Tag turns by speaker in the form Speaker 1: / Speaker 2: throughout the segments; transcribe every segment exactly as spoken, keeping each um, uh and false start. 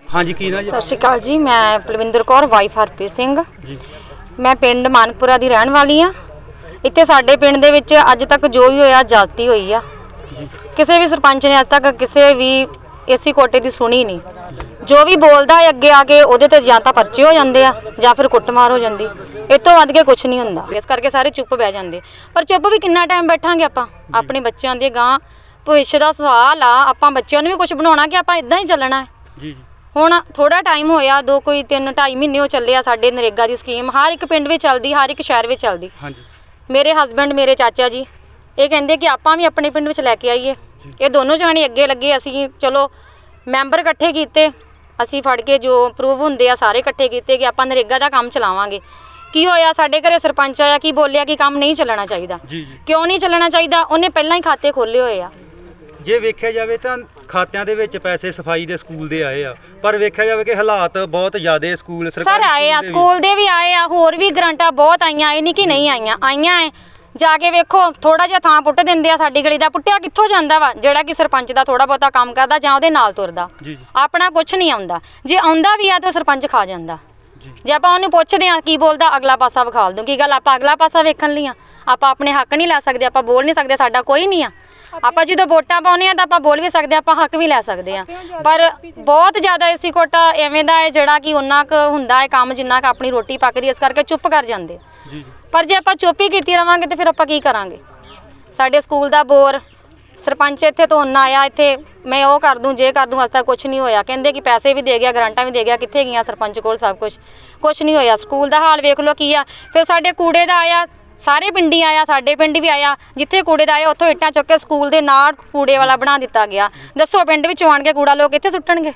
Speaker 1: हाँ जी की ना जी?
Speaker 2: सत श्री अकाल जी, मैं पलविंदर कौर वाइफ हरप्रीत सिंह
Speaker 1: जी।
Speaker 2: मैं पिंड मानकपुरा दी रहण वाली हाँ। इत्थे साडे पिंड दे विच अज तक जो भी होया जाती हुई आ। किसी भी सरपंच ने अज तक किसी भी एसी कोटे की सुनी नहीं। जो भी बोलता है अगे आके उहदे ते जां तां परचे हो जाते आ जां फिर कुटमार हो जाती। इस तो वध के कुछ नहीं हुंदा, इस करके सारे चुप बह जाते। पर चुप भी कितना टाइम बैठांगे आपां? अपने बच्चों दे गां भविष्य का सवाल आ। आपां बच्चों नूं भी कुछ बनाउणा कि आपां इदां ही चलना है। हुण थोड़ा टाइम होया, दो कोई तीन ढाई महीने हो चले आ। साडे नरेगा की स्कीम हर एक पिंड में चलती, हर एक शहर में चलती। मेरे हसबैंड मेरे चाचा जी ये कहते कि आपां भी अपने पिंड में लैके आईए। ये दोनों जाने अगे लगे, असीं चलो मैंबर इकट्ठे कीते, असीं फड़ के जो प्रूव हुंदे आ सारे इकट्ठे कीते कि आपां नरेगा दा काम चलावांगे। की होया, साडे घरे सरपंच आया की बोलिया कि काम नहीं चलना चाहिए। क्यों नहीं चलना चाहिए? उन्हें पहलां ही खाते खोले हुए आ।
Speaker 1: जे वेख्या जाए तो खात्यां दे विच पैसे सफाई दे स्कूल दे आए आ, पर वेख्या जाए कि हालात बहुत ज़्यादा स्कूल
Speaker 2: सर आए आ, स्कूल दे भी आए आ, होर भी ग्रांटां बहुत आईयां, ये नहीं कि नहीं आईयां, आईयां है। जाके वेखो थोड़ा जिहा थां पुੱਟ दिंदे आ साडी गली दा, पुੱਟਿਆ कित्थों जांदा वा ਜਿਹੜਾ कि सरपंच दा थोड़ा बहुता काम करदा ਜਾਂ ਉਹਦੇ ਨਾਲ ਤੁਰਦਾ। ਆਪਣਾ ਕੁਛ ਨਹੀਂ ਆਉਂਦਾ, ਜੇ ਆਉਂਦਾ ਵੀ ਆ ਤਾਂ ਸਰਪੰਚ ਖਾ ਜਾਂਦਾ। ਜੇ ਆਪਾਂ ਉਹਨੂੰ ਪੁੱਛਦੇ ਆ ਕੀ ਬੋਲਦਾ, ਅਗਲਾ ਪਾਸਾ ਵਿਖਾਲ ਦੂੰ। ਕੀ ਗੱਲ ਆਪਾਂ ਅਗਲਾ ਪਾਸਾ ਵੇਖਣ ਲਈ ਆ? ਆਪਾਂ ਆਪਣੇ ਹੱਕ ਨਹੀਂ ਲੈ ਸਕਦੇ, ਆਪਾਂ ਬੋਲ ਨਹੀਂ ਸਕਦੇ, ਸਾਡਾ ਕੋਈ ਨਹੀਂ ਆ। ਆਪਾਂ ਜਦੋਂ ਵੋਟਾਂ ਪਾਉਂਦੇ ਆ ਤਾਂ ਆਪਾਂ ਬੋਲ ਵੀ ਸਕਦੇ, ਆਪਾਂ ਹੱਕ ਵੀ ਲੈ ਸਕਦੇ ਆ। ਪਰ ਬਹੁਤ ਜ਼ਿਆਦਾ ਏਸੀ ਕੋਟਾ ਐਵੇਂ ਦਾ ਹੈ ਜਿਹੜਾ ਕਿ ਉਹਨਾਂ ਕੁ ਹੁੰਦਾ ਹੈ ਕੰਮ ਜਿੰਨਾ ਕੁ ਆਪਣੀ ਰੋਟੀ ਪੱਕਦੀ, ਇਸ ਕਰਕੇ ਚੁੱਪ ਕਰ ਜਾਂਦੇ। ਪਰ ਜੇ ਆਪਾਂ ਚੁੱਪ ਹੀ ਕੀਤੀ ਰਵਾਂਗੇ ਤੇ ਫਿਰ ਆਪਾਂ ਕੀ ਕਰਾਂਗੇ? ਸਾਡੇ ਸਕੂਲ ਦਾ ਬੋਰ ਸਰਪੰਚ ਇੱਥੇ ਤੋਂ ਨਾ ਆਇਆ, ਇੱਥੇ ਮੈਂ ਉਹ ਕਰ ਦੂੰ ਜੇ ਕਰ ਦੂੰ, ਅਜ ਤੱਕ ਕੁਛ ਨਹੀਂ ਹੋਇਆ। ਕਹਿੰਦੇ ਕਿ ਪੈਸੇ ਵੀ ਦੇ ਗਿਆ, ਗਰਾਂਟਾਂ ਵੀ ਦੇ ਗਿਆ, ਕਿੱਥੇ ਗਈਆਂ ਸਰਪੰਚ ਕੋਲ ਸਭ ਕੁਛ? ਕੁਛ ਨਹੀਂ ਹੋਇਆ। ਸਕੂਲ ਦਾ ਹਾਲ ਵੇਖ ਲਓ ਕੀ ਆ। ਫਿਰ ਸਾਡੇ ਕੂੜੇ ਦਾ ਆਇਆ, ਸਾਰੇ ਪਿੰਡੀ ਆਇਆ, ਸਾਡੇ ਪਿੰਡ ਵੀ ਆਇਆ। ਜਿੱਥੇ ਕੂੜੇ ਦਾ ਆਇਆ ਉੱਥੋਂ ਇੱਟਾਂ ਚੁੱਕ ਕੇ ਸਕੂਲ ਦੇ ਨਾਲ ਕੂੜੇ ਵਾਲਾ ਬਣਾ ਦਿੱਤਾ ਗਿਆ। ਦੱਸੋ ਪਿੰਡ ਵਿੱਚੋਂ ਆਣ ਕੇ ਕੂੜਾ ਲੋਕ ਇੱਥੇ ਸੁੱਟਣਗੇ?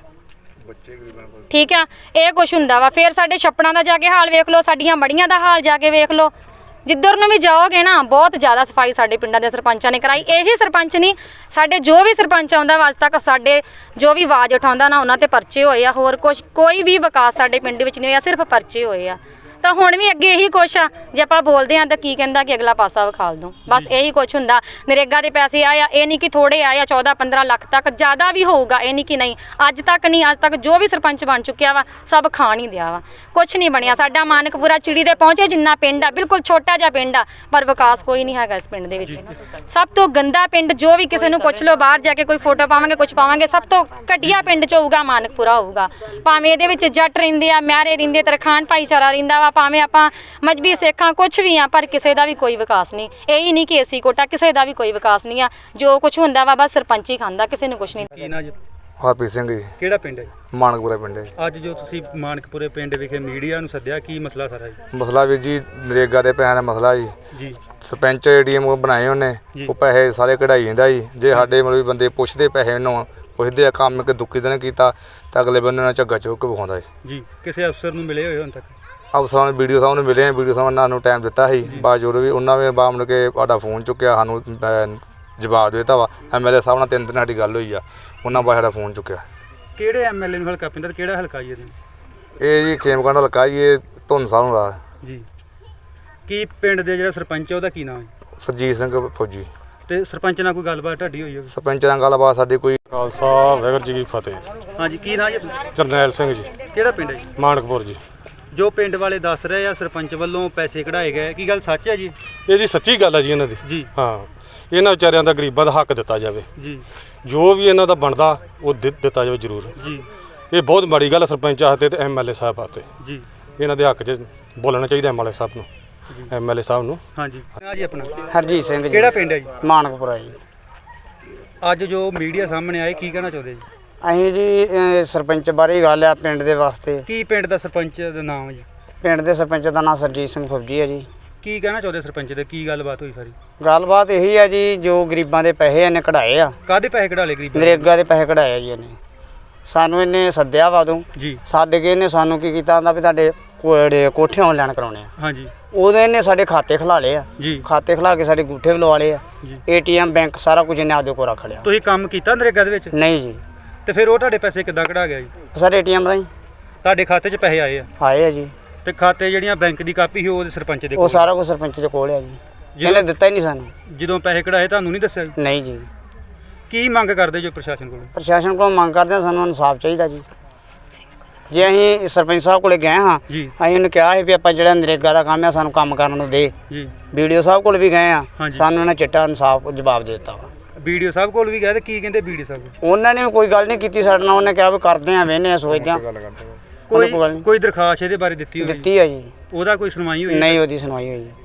Speaker 2: ਠੀਕ ਆ, ਇਹ ਕੁਛ ਹੁੰਦਾ ਵਾ। ਫਿਰ ਸਾਡੇ ਛੱਪੜਾਂ ਦਾ ਜਾ ਕੇ ਹਾਲ ਵੇਖ ਲਓ, ਸਾਡੀਆਂ ਮੜੀਆਂ ਦਾ ਹਾਲ ਜਾ ਕੇ ਵੇਖ ਲਓ। ਜਿੱਧਰ ਨੂੰ ਵੀ ਜਾਓਗੇ ਨਾ ਬਹੁਤ ਜ਼ਿਆਦਾ ਸਫਾਈ ਸਾਡੇ ਪਿੰਡਾਂ ਦੇ ਸਰਪੰਚਾਂ ਨੇ ਕਰਾਈ। ਇਹੀ ਸਰਪੰਚ ਨਹੀਂ, ਸਾਡੇ ਜੋ ਵੀ ਸਰਪੰਚ ਆਉਂਦਾ ਵਾ ਅੱਜ ਤੱਕ ਸਾਡੇ ਜੋ ਵੀ ਆਵਾਜ਼ ਉਠਾਉਂਦਾ ਨਾ ਉਹਨਾਂ ਤੇ ਪਰਚੇ ਹੋਏ ਆ। ਹੋਰ ਕੁਛ ਕੋਈ ਵੀ ਵਿਕਾਸ ਸਾਡੇ ਪਿੰਡ ਵਿੱਚ ਨਹੀਂ ਹੋਇਆ, ਸਿਰਫ ਪਰਚੇ ਹੋਏ ਆ। ਤਾਂ ਹੁਣ ਵੀ ਅੱਗੇ ਇਹੀ ਕੁਛ ਆ। ਜੇ ਆਪਾਂ ਬੋਲਦੇ ਹਾਂ ਤਾਂ ਕੀ ਕਹਿੰਦਾ ਕਿ ਅਗਲਾ ਪਾਸਾ ਵਿਖਾਲ ਦੂੰ, ਬਸ ਇਹੀ ਕੁਛ ਹੁੰਦਾ। ਨਰੇਗਾ ਦੇ ਪੈਸੇ ਆਏ ਆ, ਇਹ ਨਹੀਂ ਕਿ ਥੋੜੇ ਆਏ ਆ, ਚੌਦਾਂ ਪੰਦਰਾਂ ਲੱਖ ਤੱਕ, ਜ਼ਿਆਦਾ ਵੀ ਹੋਊਗਾ, ਇਹ ਨਹੀਂ ਕਿ ਨਹੀਂ। ਅੱਜ ਤੱਕ ਨਹੀਂ, ਅੱਜ ਤੱਕ ਜੋ ਵੀ ਸਰਪੰਚ ਬਣ ਚੁੱਕਿਆ ਵਾ ਸਭ ਖਾਣ ਹੀ ਦਿਆ ਵਾ, ਕੁਛ ਨਹੀਂ ਬਣਿਆ। ਸਾਡਾ ਮਾਨਕਪੁਰਾ ਚਿੜੀ ਦੇ ਪਹੁੰਚੇ ਜਿੰਨਾ ਪਿੰਡ ਆ, ਬਿਲਕੁਲ ਛੋਟਾ ਜਿਹਾ ਪਿੰਡ ਆ, ਪਰ ਵਿਕਾਸ ਕੋਈ ਨਹੀਂ ਹੈਗਾ ਇਸ ਪਿੰਡ ਦੇ ਵਿੱਚ। ਸਭ ਤੋਂ ਗੰਦਾ ਪਿੰਡ, ਜੋ ਵੀ ਕਿਸੇ ਨੂੰ ਪੁੱਛ ਲਓ, ਬਾਹਰ ਜਾ ਕੇ ਕੋਈ ਫੋਟੋ ਪਾਵਾਂਗੇ ਕੁਛ ਪਾਵਾਂਗੇ, ਸਭ ਤੋਂ ਘਟੀਆ ਪਿੰਡ 'ਚ ਹੋਊਗਾ ਮਾਨਕਪੁਰਾ ਹੋਊਗਾ। ਭਾਵੇਂ ਇਹਦੇ ਵਿੱਚ ਜੱਟ ਰਹਿੰਦੇ ਆ, ਮਹਿਰੇ ਰਹਿੰਦੇ, ਤਰਖਾਣ ਭਾਈਚਾਰਾ ਰਹਿੰਦਾ ਵਾ, ਭਾਵੇਂ ਆਪਾਂ ਮਜਬੀ ਸਿੱਖਾਂ ਕੁਛ ਵੀ ਆ, ਪਰ ਕਿਸੇ ਦਾ ਵੀ ਕੋਈ ਵਿਕਾਸ ਨਹੀਂ। ਇਹੀ ਨਹੀਂ ਕਿ ਏਸੀ ਕੋਟਾ, ਕਿਸੇ ਦਾ ਵੀ ਕੋਈ ਵਿਕਾਸ ਨਹੀਂ ਆ। ਜੋ ਕੁਛ ਹੁੰਦਾ ਵਾ ਬਸ ਸਰਪੰਚ ਹੀ ਖਾਂਦਾ, ਕਿਸੇ ਨੂੰ ਕੁਛ ਨਹੀਂ।
Speaker 3: ਹਰਪ੍ਰੀਤ ਸਿੰਘ ਜੀ।
Speaker 1: ਕਿਹੜਾ ਪਿੰਡ ਹੈ?
Speaker 3: ਮਾਨਕਪੁਰਾ ਪਿੰਡ ਹੈ।
Speaker 1: ਅੱਜ ਜੋ ਤੁਸੀਂ ਮਾਨਕਪੁਰੇ ਪਿੰਡ ਵਿਖੇ ਮੀਡੀਆ ਨੂੰ ਸੱਦਿਆ, ਕੀ ਮਸਲਾ ਸਾਰਾ ਜੀ?
Speaker 3: ਮਸਲਾ ਵੀਰ ਜੀ ਨਰੇਗਾ ਦੇ ਪੈਸਿਆਂ ਦਾ ਮਸਲਾ ਜੀ। ਜੀ ਸਰਪੰਚ ਏਟੀਐਮ ਬਣਾਏ ਉਹਨੇ, ਉਹ ਪੈਸੇ ਸਾਰੇ ਕਢਾਈ ਜਾਂਦਾ ਜੀ। ਜੇ ਸਾਡੇ ਮਤਲਬ ਬੰਦੇ ਪੁੱਛਦੇ ਪੈਸੇ ਉਹਨੂੰ ਪੁੱਛਦੇ ਆ ਕੰਮ ਇੱਕ ਦੁੱਕੀ ਦਿਨ ਕੀਤਾ ਤਾਂ ਅਗਲੇ ਬੰਦੇ ਨਾਲ ਝੱਗਾ ਚੁੱਕ ਕੇ ਵਿਖਾਉਂਦਾ ਜੀ।
Speaker 1: ਜੀ ਕਿਸੇ ਅਫਸਰ ਨੂੰ ਮਿਲੇ ਹੋਏ ਹੁਣ ਤੱਕ?
Speaker 3: ਅਫਸਰਾਂ ਨੂੰ ਵੀਡੀਓ ਸਾਹਿਬ ਨੂੰ ਮਿਲੇ, ਵੀਡੀਓ ਸਾਹਿਬ ਨੇ ਸਾਨੂੰ ਟਾਈਮ ਦਿੱਤਾ ਸੀ, ਬਾਅਦ ਜਦੋਂ ਵੀ ਉਹਨਾਂ ਨੇ ਬਾਅਦ ਮੁੜ ਕੇ ਸਾਡਾ ਫੋਨ ਚੁੱਕਿਆ, ਸਾਨੂੰ ਜਵਾਬ ਦੇ ਦਿੱਤਾ ਵਾ। ਐਮ ਐਲ ਏ ਸਾਹਿਬ ਨਾਲ ਤਿੰਨ ਦਿਨ ਸਾਡੀ ਗੱਲ ਹੋਈ ਆ, ਉਹਨਾਂ ਬਾਅਦ ਸਾਡਾ ਫੋਨ ਚੁੱਕਿਆ।
Speaker 1: ਕਿਹੜੇ ਐਮ ਐਲ ਏ ਨੂੰ ਹਲਕਾ ਪੈਂਦਾ, ਕਿਹੜਾ ਹਲਕਾ ਜੀ?
Speaker 3: ਇਹ ਜੀ ਖੇਮਕੰਡ ਹਲਕਾ ਜੀ, ਇਹ ਧੁੰਨ ਸਾਹਿਬ ਨੂੰ ਦਾ
Speaker 1: ਜੀ। ਕੀ ਪਿੰਡ ਦੇ ਜਿਹੜਾ ਸਰਪੰਚ ਉਹਦਾ ਕੀ ਨਾਮ ਹੈ?
Speaker 3: ਸਰਜੀਤ ਸਿੰਘ ਫੌਜੀ।
Speaker 1: ਤੇ ਸਰਪੰਚ ਨਾਲ ਕੋਈ ਗੱਲਬਾਤ ਤੁਹਾਡੀ ਹੋਈ ਹੋਵੇ?
Speaker 3: ਸਰਪੰਚ ਨਾਲ ਗੱਲਬਾਤ ਸਾਡੀ ਕੋਈ।
Speaker 4: ਖਾਲਸਾ ਵਾਹਿਗੁਰੂ ਜੀ ਕੀ ਫਤਿਹ।
Speaker 1: ਹਾਂਜੀ ਕੀ ਨਾਮ ਜੀ?
Speaker 4: ਜਰਨੈਲ ਸਿੰਘ ਜੀ।
Speaker 1: ਕਿਹੜਾ ਪਿੰਡ ਹੈ ਜੀ?
Speaker 4: ਮਾਨਕਪੁਰ ਜੀ।
Speaker 1: ਜੋ ਪਿੰਡ ਵਾਲੇ ਦੱਸ ਰਹੇ ਆ ਸਰਪੰਚ ਵੱਲੋਂ ਪੈਸੇ ਕਢਾਏ ਗਏ, ਕੀ ਗੱਲ ਸੱਚ ਹੈ ਜੀ?
Speaker 4: ਇਹ ਜੀ ਸੱਚੀ ਗੱਲ ਹੈ ਜੀ ਇਹਨਾਂ ਦੀ ਜੀ। ਹਾਂ, ਇਹਨਾਂ ਵਿਚਾਰਿਆਂ ਦਾ ਗਰੀਬਾਂ ਦਾ ਹੱਕ ਦਿੱਤਾ ਜਾਵੇ ਜੀ। ਜੋ ਵੀ ਇਹਨਾਂ ਦਾ ਬਣਦਾ ਉਹ ਦਿੱਤਾ ਜਾਵੇ ਜ਼ਰੂਰ ਜੀ। ਇਹ ਬਹੁਤ ਮਾੜੀ ਗੱਲ ਸਰਪੰਚ ਆਤੇ ਤੇ ਐਮ ਐਲ ਏ ਸਾਹਿਬ ਆਤੇ ਜੀ। ਇਹਨਾਂ ਦੇ ਹੱਕ 'ਚ ਬੋਲਣਾ ਚਾਹੀਦਾ ਐਮ ਐਲ ਏ ਸਾਹਿਬ ਨੂੰ, ਐਮ ਐਲ ਏ ਸਾਹਿਬ ਨੂੰ। ਹਾਂਜੀ ਜੀ। ਆਪਣਾ
Speaker 5: ਹਰਜੀਤ ਸਿੰਘ ਜੀ।
Speaker 1: ਕਿਹੜਾ ਪਿੰਡ ਹੈ ਜੀ?
Speaker 5: ਮਾਨਕਪੁਰਾ ਜੀ।
Speaker 1: ਅੱਜ ਜੋ ਮੀਡੀਆ ਸਾਹਮਣੇ ਆਏ, ਕੀ ਕਹਿਣਾ ਚਾਹੁੰਦੇ ਜੀ?
Speaker 5: ਅਸੀਂ ਜੀ ਸਰਪੰਚ ਬਾਰੇ ਗੱਲ ਆ ਪਿੰਡ ਦੇ ਵਾਸਤੇ।
Speaker 1: ਕੀ ਪਿੰਡ ਦਾ ਸਰਪੰਚ ਦਾ ਨਾਮ ਹੈ ਜੀ?
Speaker 5: ਪਿੰਡ ਦੇ ਸਰਪੰਚ ਦਾ ਨਾਮ ਸਰਜੀਤ ਸਿੰਘ ਫੌਜੀ ਹੈ ਜੀ।
Speaker 1: ਕੀ ਕਹਿਣਾ ਚਾਹੁੰਦੇ ਸਰਪੰਚ ਦੇ, ਕੀ ਗੱਲਬਾਤ ਹੋਈ ਸਾਰੀ?
Speaker 5: ਗੱਲਬਾਤ ਇਹੀ ਆ ਜੀ, ਜੋ ਗਰੀਬਾਂ ਦੇ ਪੈਸੇ ਇਹਨੇ ਕਢਾਏ ਆ।
Speaker 1: ਕਾਹਦੇ ਪੈਸੇ ਕਢਾ ਲਏ ਗਰੀਬਾਂ?
Speaker 5: ਨਰੇਗਾ ਦੇ ਪੈਸੇ ਕਢਾਏ ਆ ਜੀ ਇਹਨੇ। ਸਾਨੂੰ ਇਹਨੇ ਸੱਦਿਆ ਵਾ ਉਦੋਂ
Speaker 1: ਜੀ।
Speaker 5: ਸੱਦ ਕੇ ਇਹਨੇ ਸਾਨੂੰ ਕੀ ਕੀਤਾ ਆਂਦਾ ਵੀ ਤੁਹਾਡੇ ਕੋੜੇ ਕੋਠੇ ਆਨਲਾਈਨ ਕਰਾਉਣੇ ਆ।
Speaker 1: ਹਾਂਜੀ।
Speaker 5: ਉਦੋਂ ਇਹਨੇ ਸਾਡੇ ਖਾਤੇ ਖਿਲਾ ਲਏ ਆ
Speaker 1: ਜੀ।
Speaker 5: ਖਾਤੇ ਖਿਲਾ ਕੇ ਸਾਡੇ ਅੰਗੂਠੇ ਵੀ ਲਵਾ ਲਏ ਆ, ਏਟੀਐਮ ਬੈਂਕ ਸਾਰਾ ਕੁਝ ਇਹਨੇ ਆਪਦੇ ਕੋਲ ਰੱਖ ਲਿਆ।
Speaker 1: ਤੁਸੀਂ ਕੰਮ ਕੀਤਾ ਨਰੇਗਾ ਦੇ ਵਿੱਚ?
Speaker 5: ਨਹੀਂ ਜੀ।
Speaker 1: ਤੇ ਫਿਰ ਉਹ ਤੁਹਾਡੇ ਪੈਸੇ ਕਿੱਦਾਂ ਕਢਾ ਗਿਆ ਜੀ?
Speaker 5: ਸਰ ਏਟੀਐਮ ਰਾਹੀਂ
Speaker 1: ਤੁਹਾਡੇ ਖਾਤੇ 'ਚ ਪੈਸੇ ਆਏ ਆ?
Speaker 5: ਆਏ ਆ ਜੀ।
Speaker 1: ਤੇ ਖਾਤੇ ਜਿਹੜੀਆਂ ਬੈਂਕ ਦੀ ਕਾਪੀ ਸੀ ਉਹ ਸਰਪੰਚ ਦੇ ਕੋਲ?
Speaker 5: ਉਹ ਸਾਰਾ ਕੁਝ ਸਰਪੰਚ ਦੇ ਕੋਲ ਆ ਜੀ। ਇਹਨੇ ਦਿੱਤਾ ਹੀ ਨਹੀਂ ਸਾਨੂੰ।
Speaker 1: ਜਦੋਂ ਪੈਸੇ ਕਢਾਏ ਤੁਹਾਨੂੰ ਨਹੀਂ ਦੱਸਿਆ?
Speaker 5: ਨਹੀਂ ਜੀ।
Speaker 1: ਕੀ ਮੰਗ ਕਰਦੇ ਜੋ ਪ੍ਰਸ਼ਾਸਨ ਕੋਲ?
Speaker 5: ਪ੍ਰਸ਼ਾਸਨ ਕੋਲ ਮੰਗ ਕਰਦੇ ਹਾਂ, ਸਾਨੂੰ ਇਨਸਾਫ ਚਾਹੀਦਾ ਜੀ। ਜੇ ਅਸੀਂ ਸਰਪੰਚ ਸਾਹਿਬ ਕੋਲੇ ਗਏ ਹਾਂ
Speaker 1: ਜੀ
Speaker 5: ਅਸੀਂ ਉਹਨੂੰ ਕਿਹਾ ਸੀ ਵੀ ਆਪਾਂ ਜਿਹੜਾ ਨਰੇਗਾ ਦਾ ਕੰਮ ਆ ਸਾਨੂੰ ਕੰਮ ਕਰਨ ਨੂੰ ਦੇ
Speaker 1: ਜੀ
Speaker 5: ਵੀਡੀਓ ਸਾਹਿਬ ਕੋਲ ਵੀ ਗਏ ਆ
Speaker 1: ਹਾਂਜੀ।
Speaker 5: ਸਾਨੂੰ ਉਹਨਾਂ ਚਿੱਟਾ ਇਨਸਾਫ ਜਵਾਬ ਦੇ ਦਿੱਤਾ ਵਾ
Speaker 1: ਵੀਡੀਓ ਸਾਹਿਬ ਕੋਲ ਵੀ ਗਏ ਤੇ ਕੀ ਕਹਿੰਦੇ ਵੀਡੀਓ ਸਾਹਿਬ
Speaker 5: ਉਹਨਾਂ ਨੇ ਵੀ ਕੋਈ ਗੱਲ ਨਹੀਂ ਕੀਤੀ ਸਾਡੇ ਨਾਲ ਉਹਨੇ ਕਿਹਾ ਵੀ ਕਰਦੇ ਆ ਵੇਹਨੇ ਆ ਸੋਚਦੇ ਆ
Speaker 1: ਕੋਈ
Speaker 5: ਕੋਈ ਗੱਲ ਨਹੀਂ।
Speaker 1: ਕੋਈ ਦਰਖਾਸਤ ਇਹਦੇ ਬਾਰੇ ਦਿੱਤੀ ਹੋਈ
Speaker 5: ਦਿੱਤੀ ਆ ਜੀ
Speaker 1: ਉਹਦਾ ਕੋਈ ਸੁਣਵਾਈ ਹੋਈ
Speaker 5: ਨਹੀਂ ਉਹਦੀ ਸੁਣਵਾਈ ਹੋਈ